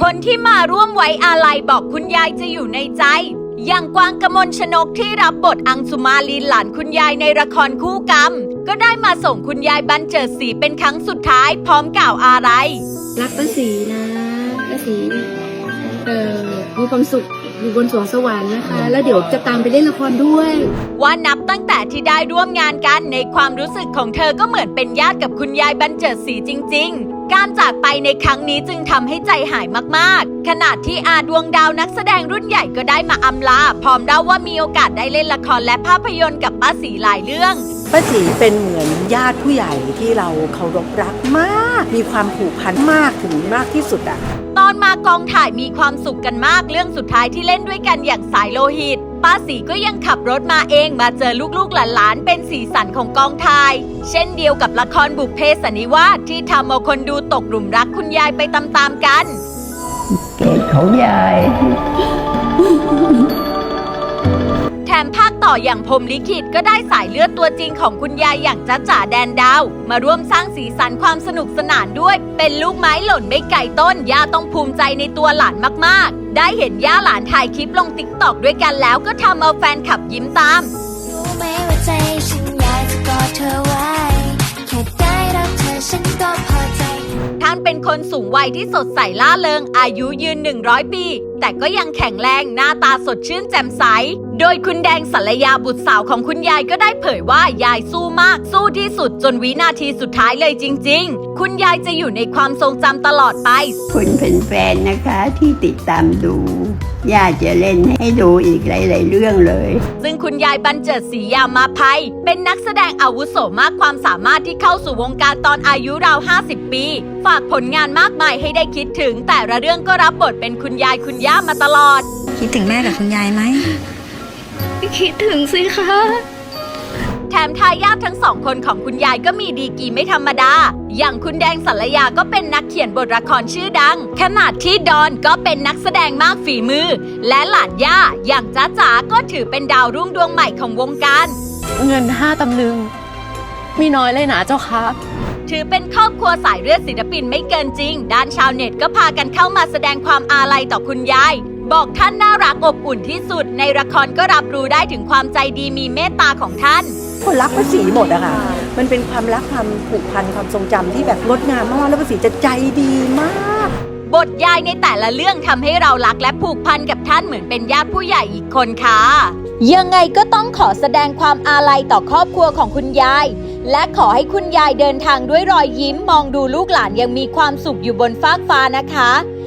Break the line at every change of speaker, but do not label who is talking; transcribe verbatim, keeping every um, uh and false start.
คนที่มาร่วมไว้อาลัยบอกคุณยายจะอยู่ในใจอย่างกวางกมลชนกที่รับบทอังสุมาลีหลานคุณยายในละครคู่กรรมก็ได้มาส่งคุณยายบรรเจิดศรีเป็นครั้งสุดท้ายพร้อมกล่าวอาลัย
รักป้าศรีนะป้าศรีเออมีความสุขอยู่บนสวงสวรรค์นะคะแล้วเดี๋ยวจะตามไปเล่นละครด้วย
ว่านับตั้งแต่ที่ได้ร่วมงานกันในความรู้สึกของเธอก็เหมือนเป็นญาติกับคุณยายบรรเจิดศรีจริงๆการจากไปในครั้งนี้จึงทำให้ใจหายมากๆขณะที่อาดวงดาวนักแสดงรุ่นใหญ่ก็ได้มาอำลาพร้อมเล่าว่ามีโอกาสได้เล่นละครและภาพยนตร์กับป้าศรีหลายเรื่อง
ป้าศรีเป็นเหมือนญาติผู้ใหญ่ที่เราเคารพรักมากมีความผูกพันมากถึงมากที่สุดอะ
ตอนมากองถ่ายมีความสุขกันมากเรื่องสุดท้ายที่เล่นด้วยกันอย่างสายโลหิตป้าศรีก็ยังขับรถมาเองมาเจอลูกๆหลานๆเป็นสีสันของกองถ่ายเช่นเดียวกับละครบุพเพสันนิวาสที่ทำเอาคนดูตกหลุมรักคุณยายไปตามๆกัน
เกศเขายาย
แถมภาคต่ออย่างพรหมลิขิตก็ได้สายเลือดตัวจริงของคุณยายอย่างจ๊ะจ๋าแดนดาวมาร่วมสร้างสีสันความสนุกสนานด้วยเป็นลูกไม้หล่นไม่ไกลต้นย่าต้องภูมิใจในตัวหลานมากๆได้เห็นย่าหลานถ่ายคลิปลงติ๊กต็อกด้วยกันแล้วก็ทำเอาแฟนคลับยิ้มตาม
รู้ไหมว่าใจฉันอยากจะกอดเธอไว้แค่ได้รักเธอฉันก็พอใจ
ท่านเป็นคนสูงวัยที่สดใสล่าเริงอายุยืนหนึ่งร้อยปีแต่ก็ยังแข็งแรงหน้าตาสดชื่นแจ่มใสโดยคุณแดงสัลยาบุตรสาวของคุณยายก็ได้เผยว่ายายสู้มากสู้ที่สุดจนวินาทีสุดท้ายเลยจริงๆคุณยายจะอยู่ในความทรงจำตลอดไป
คุณเป็นแฟนนะคะที่ติดตามดูย่าจะเล่นให้ดูอีกหลายๆเรื่องเลย
ซึ่งคุณยายบรรเจิดศรียามาภัยเป็นนักแสดงอาวุโสมากความสามารถที่เข้าสู่วงการตอนอายุราวห้าสิบปีฝากผลงานมากมายให้ได้คิดถึงแต่ละเรื่องก็รับบทเป็นคุณยายคุณย่ามาตลอด
คิดถึงแม่กับคุณยายไหม
คิดถึงสิคะ
แถมทายาททั้งสองคนของคุณยายก็มีดีกรีไม่ธรรมดาอย่างคุณแดงสัลยาก็เป็นนักเขียนบทละครชื่อดังขณะที่ดอนก็เป็นนักแสดงมากฝีมือและหลานย่าอย่างจ๊ะจ๋าก็ถือเป็นดาวรุ่งดวงใหม่ของวงการ
เงินห้าตำลึงมีน้อยเลยนะเจ้าคะ
ถือเป็นครอบครัวสายเลือดศิลปินไม่เกินจริงด้านชาวเน็ตก็พากันเข้ามาแสดงความอาลัยต่อคุณยายบอกท่านน่ารักอบอุ่นที่สุดในละครก็รับรู้ได้ถึงความใจดีมีเมตตาของท่าน
คนรักป้าศรีหมดอะค่ะมันเป็นความรักความผูกพันความทรงจำที่แบบงดงามมากแล้วป้าศรีจะใจดีมาก
บทยายในแต่ละเรื่องทำให้เรารักและผูกพันกับท่านเหมือนเป็นญาติผู้ใหญ่อีกคนค่ะยังไงก็ต้องขอแสดงความอาลัยต่อครอบครัวของคุณยายและขอให้คุณยายเดินทางด้วยรอยยิ้มมองดูลูกหลานยังมีความสุขอยู่บนฟากฟ้านะคะ